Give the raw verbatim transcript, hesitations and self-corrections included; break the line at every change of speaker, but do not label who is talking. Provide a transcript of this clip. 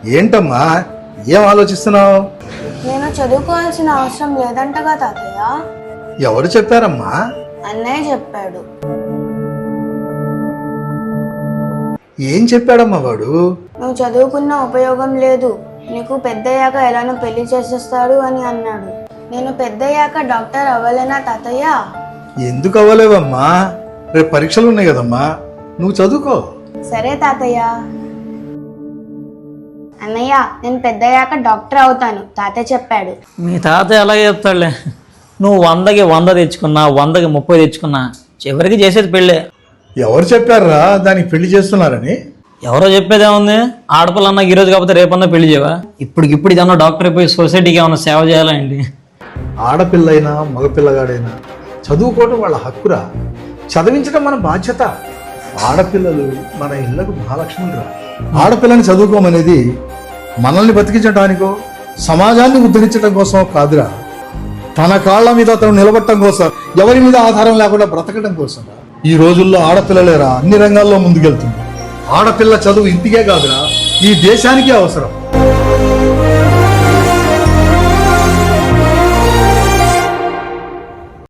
ఏంటమ్మా, ఏం ఆలోచిస్తున్నావు?
నేను చదువుకోవాల్సిన అవసరం లేదంటగా తాతయ్య.
ఎవరు చెప్పారమ్మా?
అన్నయ్య చెప్పాడు.
ఏం చెప్పాడమ్మా వాడు?
నువ్వు చదువుకున్న ఉపయోగం లేదు, నీకు పెద్దయ్యాక ఎలానో పెళ్లి చేసేస్తాడు అని అన్నాడు. నేను పెద్దయ్యాక డాక్టర్ అవ్వలేనా తాతయ్య?
ఎందుకు అవ్వలేవమ్మా? రేపు పరీక్షలు ఉన్నాయి కదమ్మా, నువ్వు చదువుకో.
సరే తాతయ్య. అన్నయ్య, నేను పెద్దయ్యాక డాక్టర్ అవుతాను, తాతయ్య చెప్పాడు.
మీ తాతయ్య అలాగే చెప్తాడులే. నువ్వు వందకి వంద తెచ్చుకున్నా, వందకి ముప్పై తెచ్చుకున్నా, చివరికి చేసేది పెళ్ళే.
ఎవరు చెప్పారా దానికి పెళ్లి చేస్తున్నారని?
ఎవరో చెప్పేదేముంది? ఆడపిల్ల అన్నా ఈరోజు కాకపోతే రేపన్నా పెళ్లి చేయవా? ఇప్పటికిప్పుడు ఇదన్నా డాక్టర్ అయిపోయి సొసైటీకి ఏమన్నా సేవ చేయాలండి.
ఆడపిల్లైనా మగపిల్లగాడైనా చదువుకోవడం వాళ్ళ హక్కురా, చదివించడం మన బాధ్యత. ఆడపిల్లలు మన ఇళ్లకు మహాలక్ష్ములురా. ఆడపిల్లని చదువుకోమనేది మనల్ని బతికించడానికో సమాజాన్ని ఉద్ధరించడం కోసం కాదురా, తన కాళ్ళ మీద తను నిలబడటం కోసం, ఎవరి మీద ఆధారం లేకుండా బ్రతకడం కోసం. ఈ రోజుల్లో ఆడపిల్లలేరా అన్ని రంగాల్లో ముందుకెళ్తుంది. ఆడపిల్ల చదువు ఇంటికే కాదురా, ఈ దేశానికే అవసరం.